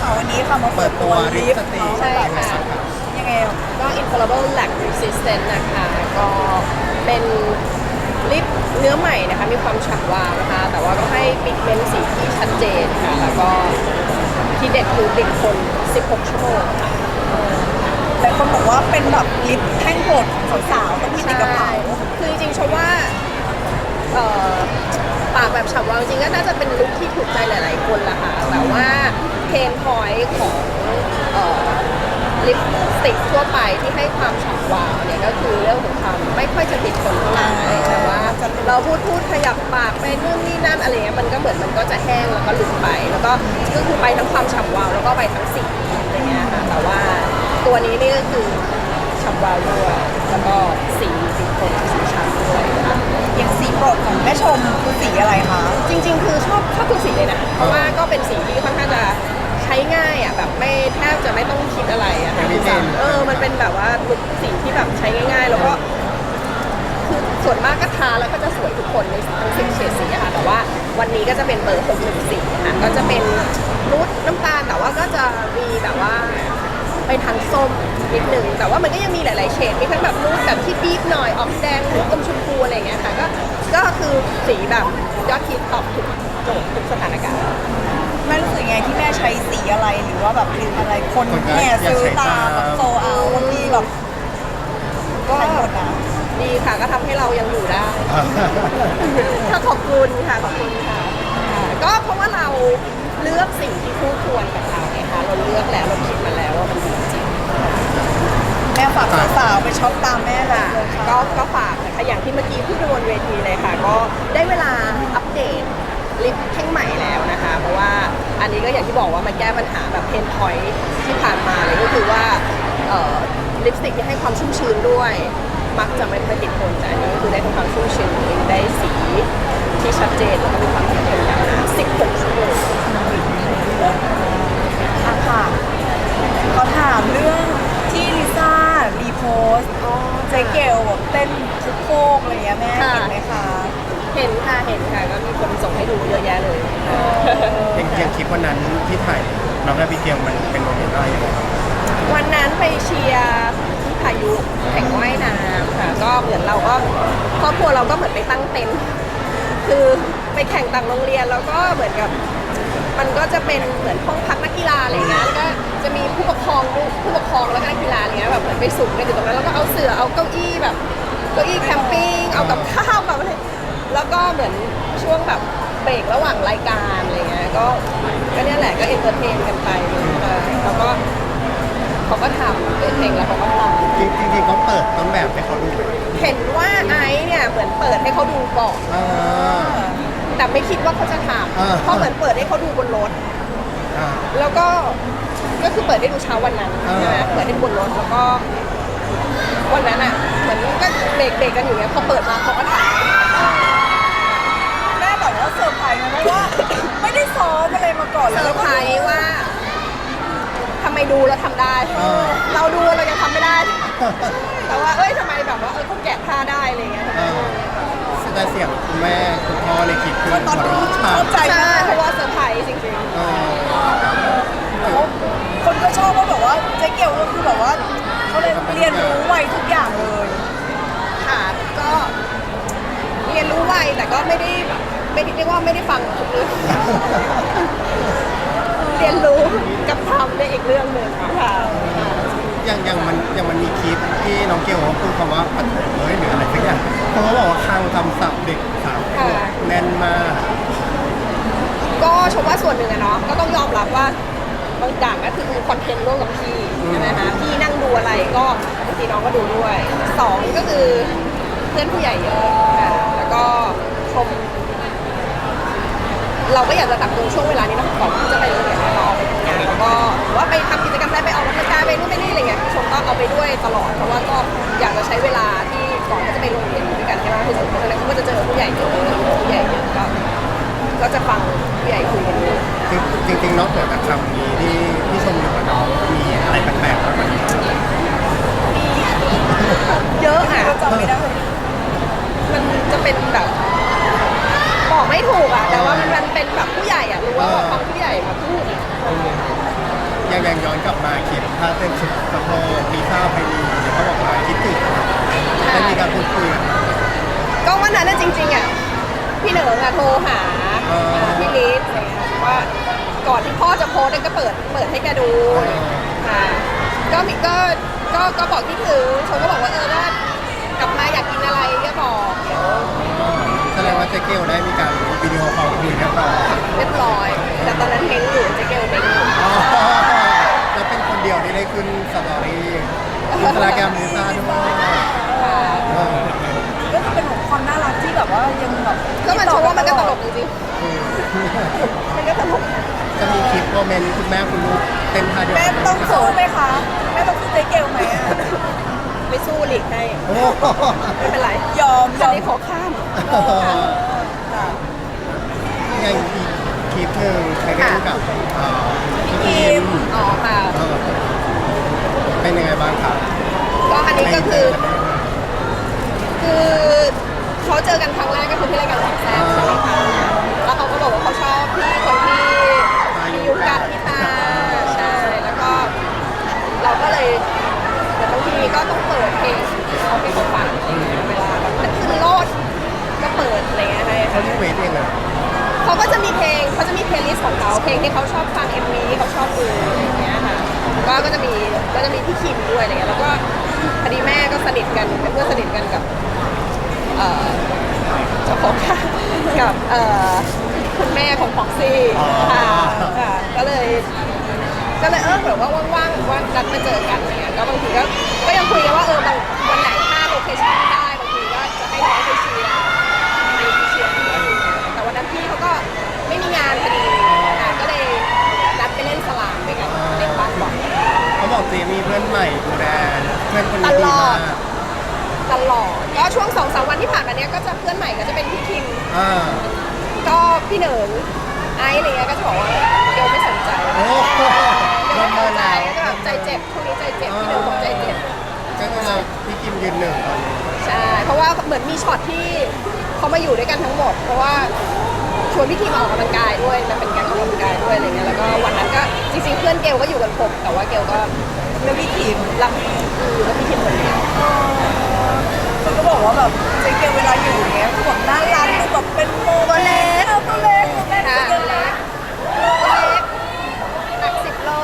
วันนี้ค่ะมาเปิดตัวลิฟต์ใช่ค่ะยังไงก็ Infallible Lac Resistant นะคะก็เป็นลิปเนื้อใหม่นะคะมีความฉ่ำวาวนะคะแต่ว่าก็ให้ปิกเมนต์สีที่ชัดเจนค่ะแล้วก็ที่เด็ดคือติดทน16 ชั่วโมงค่ะแต่คนบอกว่าเป็นแบบลิฟต์แท่งโปรดของสาวๆต้องมีติดกระเป๋าคือจริงๆชมว่าเอ่อปากแบบฉ่ำวาวจริงๆก็น่าจะเป็นลุคที่ถูกใจหลายๆคนละค่ะแต่ว่าเพนพอยต์ของลิปสติกทั่วไปที่ให้ความฉ่ำวาวเนี่ยก็คือเรื่องของความไม่ค่อยจะติดทนเท่าไหร่แต่ว่าเราพูดขยับปากไปนู่นนี่นั่นอะไรเงี้ยมันก็เหมือนมันก็จะแห้งแล้วก็หลุดไปแล้วก็คือไปทั้งความฉ่ำวาวแล้วก็ไปทั้งสีอะไรเงี้ยค่ะแต่ว่าตัวนี้นี่ก็คือฉ่ำวาวด้วยแล้วก็สีติดทนสีฉ่ำด้วยค่ะอย่างสีโปรดของแม่ชมคือสีอะไรคะจริงๆ คือชอบทุกสีเลยนะเพราะว่าก็เป็นสีที่ค่อนข้างจะใช้ง่ายอ่ะแบบไม่แทบจะไม่ต้องคิดอะไรอ่ะค่ะมันเป็นแบบว่าลุคสีที่แบบใช้ง่ายๆ แล้วก็คือส่วนมากก็ทาแล้วก็จะสวยทุกคนในทั้ง10 เฉดสีอะค่ะแต่ว่าวันนี้ก็จะเป็นเบอร์614ค่ะก็จะเป็นนูดน้ำตาลแต่ว่าก็จะมีแบบว่าไปทางส้มนิดนึงแต่ว่ามันก็ยังมีหลายๆเฉดมีทั้งแบบนูดแบบที่บีบหน่อยออกแดงนูดอมชมพูอะไรอย่างเงี้ยค่ะก็คือสีแบบยอดฮิตตอบทุกโจทย์ทุกสถานการณ์แม่รู้สึกไงที่แม่ใช้สีอะไรหรือว่าแบบลิปอะไรคนแห่ซื้อตามแบบโซเอาบางทีแบบก็หมดนะดีค่ะก็ทำให้เรายังอยู่ได้ ก็ขอบคุณค่ะขอบคุณค่ะก็เพราะว่าเราเลือกสิ่งที่คู่ควรกับเราไงคะเราเลือกแล้วเราคิดมาแล้วว่ามันดีจริงแม่ฝากสาวๆไปช็อปตามแม่เลยก็ฝากนะคะอย่างที่เมื่อกี้พูดไปบนเวทีเลยค่ะ ก็ได้เวลาอัปเดตลิปแท่งใหม่แล้วนะคะ เพราะว่าอันนี้ก็อย่างที่บอกว่ามันแก้ปัญหาแบบเพนพอยท์ที่ผ่านมาเลยก็คือว่าลิปสติกที่ให้ความชุ่มชื้นด้วย มักจะไม่ค่อยติดทนแต่อันนี้ก็คือได้ความชุ่มชื้นได้สีที่ชัดเจนแล้วก็มีความติดทนยาวนาน16 ชั่วโมงค่ะเขาถามเรื่องที่ลิซ่ารีโพสต์เจ๊เกลแบบเต้นทุกโคกอะไรเงี้ยแม่เห็นไหมคะเห็นค่ะก็มีคนส่งให้ดูเยอะแยะเลยอย่างคลิปวันนั้นที่ถ่ายน้องนาบิเกลมันเป็นโมเมนต์อะไรยังไงครับวันนั้นไปเชียร์ที่พายุแข่งว่ายน้ำค่ะก็เหมือนเราก็ครอบครัวเราก็เหมือนไปตั้งเต็นท์คือไปแข่งต่างโรงเรียนแล้วก็เหมือนกับมันก็จะเป็นเหมือนห้องพักนักกีฬาอะไรเงี้ยแล้วก็จะมีผู้ปกครองแล้วก็นักกีฬาอะไรเงี้ยแบบเหมือนไปสุ่มกันอยู่ตรงนั้นแล้วก็เอาเสื่อเอาเก้าอี้แบบเก้าอี้แคมปิ้งเอากับข้าวแบบอะไรแล้วก็เหมือนช่วงแบบเบรกระหว่างรายการอะไรเงี้ยก็เนี่ยแหละก็เอนเตอร์เทนกันไปแล้วก็เขาก็ทำเพลงแล้วเขาก็ทำจริงๆเขาเปิดต้นแบบให้เขาดูไหมเห็นว่าไอซ์เนี่ยเหมือนเปิดให้เขาดูก่อนอ่าแต่ไม่คิดว่าเขาจะทอ่าำเพราะเหมือนเปิดให้เขาดูบนรถอ่าแล้วก็คือเปิดให้ดูเช้าวันนั้นอ่าใช่ไหมเปิดให้ดูบนรถแล้วก็วันนั้นอ่ะเหมือนก็เบรกกันอยู่เนี่ยพอเปิดมาเขาก็ถ่ายแม่บอกว่าเซอร์ไพรส์นะเพราะว่าไม่ได้ซ้อมอะไรมาก่อนเซอร์ไพรส์ว่าทำไมดูแล้วทำได้ เราดูเรายังทำไม่ได้ แต่ว่าทำไมแบบว่าเขาแกะท่าได้อะไรเงี้ยแต่เสียงคุณแม่คุณพ่อในคลิปคือตอนหัวนี้เราะเข้าใจใช่มากเพราะว่าเซอร์ไพรส์จริงเออคนก็ชอบว่าแบบว่าเจ๊เกลก็คือแบบว่าเขาเลยเรียนรู้ไวทุกอย่างเลยๆค่ะก็เรียนรู้ไวแต่ก็ไม่ได้เรียกว่าไม่ได้ฟังทุกเรื่อง เรียนรู้กับทำในอีกเรื่องหนึ่งค่ะอย่างมันมีคลิปที่น้องเกลเขาพูดคำว่าปฐมหรืออะไรสักอย่างเขาบอกว่าคลังคำศัพท์เด็กสาวแน่นมากก็ชมว่าส่วนหนึ่งอะเนาะก็ต้องยอมรับว่าบางอย่างก็คือคอนเทนต์ร่วมกับพี่ใช่ไหมคะพี่นั่งดูอะไรก็บางทีน้องก็ดูด้วยสองก็คือเพื่อนผู้ใหญ่เยอะค่ะแล้วก็ชมเราก็อยากจะตักตรงช่วงเวลานี้นะก่อนที่จะไปโรงเรียนเราออกไปทำงานแล้วก็หรือว่าไปทำกิจกรรมอะไรไปออกกำลังกายไปนู่นไปนี่อะไรเงี้ยชมก็เอาไปด้วยตลอดเพราะว่าก็อยากจะใช้เวลาที่ก่อนที่จะไปโรงเรียนด้วยกันให้มากที่สุดเพราะฉะนั้นเขาก็จะเจอผู้ใหญ่เยอะผู้ใหญ่เยอะก็จะฟังผู้ใหญ่คุยกันด้วยจริงๆนอกเหนือจากคำนี้ที่ชมอยู่กับน้องมีอะไรแปลกๆบ้างไหมเยอะอ่ะก็จำไม่ได้มันจะเป็นแบบบอกไม่ถูกอ่ะแต่ว่ามันเป็นแบบผู้ใหญ่อ่ะรู้ว่าฟังผู้ใหญ่มาพูดอะยังย้อนกลับมาคลิปท่าเต้นสุดสะโพกมีข้าวไพลีเขาบอกว่าคิดถึงได้มีการพูดคุยกันก็วันนั้นน่ะจริงๆอ่ะพี่เหนิงอ่ะโทรหาพี่ลิศอะไรเงี้ยว่าก่อนที่พ่อจะโพสต์เนี่ยก็เปิดให้แกดูค่ะก็มีก็บอกที่ถึงชมก็บอกว่าว่ากลับมาอยากกินอะไรก็บอกเดี๋ยวแสดงว่าเจ๊เกลได้มีการวิดีโอคอลคุยกันต่อเรียบร้อย แต่ตอนนั้นเม้งอยู่เจ๊เกลเม้งอยู่แล้วเป็นคนเดียวที่ได้ขึ้นสตอรี่อินสตาแกรมลิซ่าด้วยก็คือเป็นความน่ารักที่แบบว่ายังแบบก็มันชมว่ามันก็ตลกจริงๆมันก็ตลกจะมีคลิปโมเมนต์คุณแม่คุณลูกเต้นท่าเดียวแม่กันต้องสู้ไหมคะแม่ต้องสู้เจ๊เกลไหมอะไม่สู้หลีกให้โอ้ไม่เป็นไรยอมอันนี้ขอข้ามค่ะยังอีกคลิปหนึ่งไปเล่นกับพี่คิมอ๋อค่ะเป็นยังไงบ้างครับก็อันนี้ก็คือเขาเจอกันครั้งแรกก็คือที่รายการสามแซ่บใช่ไหมคะแล้วเขาก็บอกว่าเขาชอบพี่คนที่มียุคกับพี่ตาใช่แล้วก็เราก็เลยแต่บางทีก็ต้องเปิดเพลงที่เขาให้เขาฟังเวลาแบบจะขึ้นโลดก็เปิดอะไรเงี้ยให้เขารีเควสเองเหรอเขาก็จะมีเพลงเขาจะมีเพลย์ลิสต์ของเขาเพลงที่เขาชอบฟัง MV ที่เขาชอบดูอะไรอย่างเงี้ยค่ะก็จะมีพี่คิมด้วยอะไรเงี้ยแล้วก็พอดีแม่ก็สนิทกันเป็นเพื่อนสนิทกันกับเจ้าของค่ะกับคุณแม่ของพ็อกซี่ค่ะก็เลยแบบว่าว่างๆว่านัดมาเจอกันอะไรเงี้ยก็บางทีก็ยังคุยกันว่าบางวันไหนถ้าโลเคชั่นได้บางทีก็จะให้น้องไปเชียร์แต่วันนั้นพี่เขาก็ไม่มีงานพอดีก็เลยนัดไปเล่นสลามด้วยกันเล่นบาสบอลเขาบอกเจมีเพื่อนใหม่ดูแลเพื่อนคนนี้ดีมากตลอดก็ช่วง 2-3 วันที่ผ่านมาเนี้ยก็จะเพื่อนใหม่ก็จะเป็นพี่คิมอ่าก็พี่เหนิงไอซ์อะไรเงี้ยก็จะบอกว่าเดี๋ยวไม่สนใจโอ้โหเดี๋ยวเริ่มไม่สมานใจแล้วก็แบบใจเจ็บช่วงนี้ใจเจ็บพี่เหนิงบอกใจเจ็บก็คือพี่คิมยืนหนึ่งตอนนี้ใช่เพราะว่าเหมือนมีช็อตที่เขามาอยู่ด้วยกันทั้งหมด เพราะว่าชวนพี่คิมออกกำลังกายด้วยมันเป็นการออกกำลังกายด้วยอะไรเงี้ยแล้วก็วันนั้นก็จริงๆเพื่อนเกลก็อยู่กันครบแต่ว่าเกลก็เรื่องพี่ทีมรับแล้วพี่คิมคนเดียวเขาก็บอกว่าแบบเจ๊เกลเวลาอยู่อย่างเงี้ยคือแบบน่ารักดูแบบเป็นโมตัวเล็กตัวเล็กแม่ค่ะตัวเล็เล็กกหนัก10 โล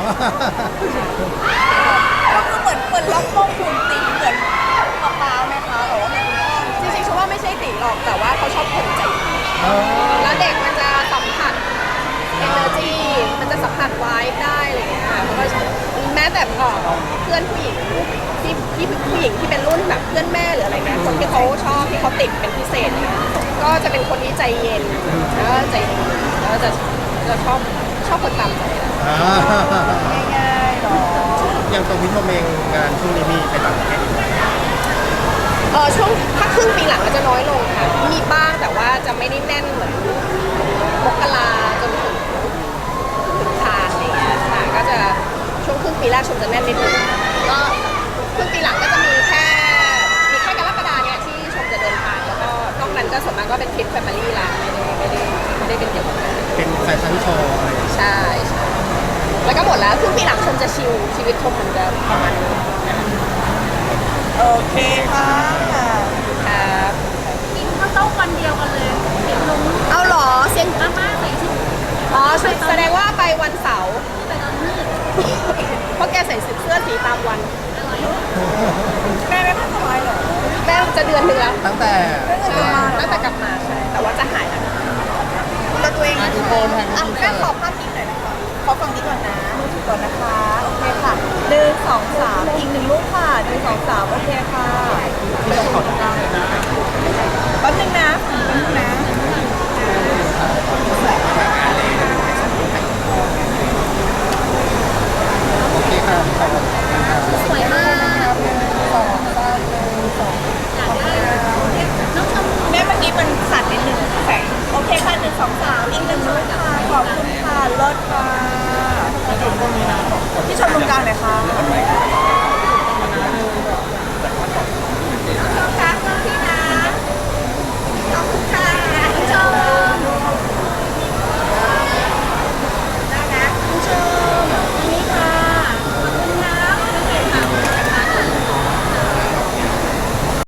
ก็คือเหมือนล็อกโมงหุ่นตีเหมือนป๊าไหมคะหรือว่าเหมือนคุณพ่อจริงๆฉันว่าไม่ใช่ตีหรอกแต่ว่าเขาชอบคนใจดีแล้วเด็กมันจะสัมผัส energy มันจะสัมผัสไวท์ได้อะไรอย่างเงี้ยเพราะว่าแม้แต่เพื่อนผู้หญิงที่ผู้หญิงที่เป็นรุ่นแบบเพื่อนแม่หรืออะไรเงี้ยคนที่เขาชอบที่เขาติดเป็นพิเศษเนี่ยก็จะเป็นคนที่ใจเย็นแล้วก็ใจดีแล้วจะชอบคนตามใจง่ายๆเนาะอย่างตัวพี่ชมเองงานช่วงนี้มีไปต่างประเทศอีกไหมช่วงถ้าครึ่งปีหลังก็จะน้อยลงค่ะมีบ้างแต่ว่าจะไม่ได้แน่นเหมือนมกราจนถึงคานอะไรเงี้ยค่ะก็จะช่วงครึ่งปีแรกชมจะแน่นนิดนึงก็ครึ่งปีหลังก็จะมีแค่กรกฎาเนี่ยที่ชมจะเดินทางแล้วก็นอกนั้นก็ส่วนมากก็เป็นทริปแฟมิลี่ละไม่ได้เป็นเกี่ยวกับงานเป็นแฟชั่นโชว์อะไรอย่างเงี้ยใช่แล้วก็หมดแล้วครึ่งปีหลังชมจะชิลชีวิตชมเหมือนเดิมประมาณนี้โอเคค่ะครับกินข้าวต้มวันเดียวกันเลยเห็นลงเอาเหรอเซียนอาม่าใส่ชุดอ๋อแสดงว่าไปวันเสาร์ไปตอนมืดเพราะแกใส่เสื้อสีตามวันแม่ไม่ค่อยสบายเหรอแม่จะเดือนหนึ่งแล้วตั้งแต่ใช่ตั้งแต่กลับมาใช่แต่ว่าจะหายแล้วดูแลตัวเองนะทุกคนแห่งอ่ะนี้แม่ขอภาพนี้หน่อยนะคะขอฝั่งนี้ก่อนนะมือถือก่อนนะคะ โอเคค่ะ1 2 3อีก1 รูปค่ะ1 2 3โอเคค่ะไม่ต้องขอทุกท่านเลยนะแป๊บนึงนะโอเคค่ะขอบคุณค่ะสวยมาก 2 อยากได้น้องชมแม่เมื่อกี้มันสั่นนิดนึงแสงโอเคค่ะ1 2 3อีก1 รูปค่ะขอบคุณค่ะเลิศค่ะที่ชมตรงกลางหน่อยค่ะ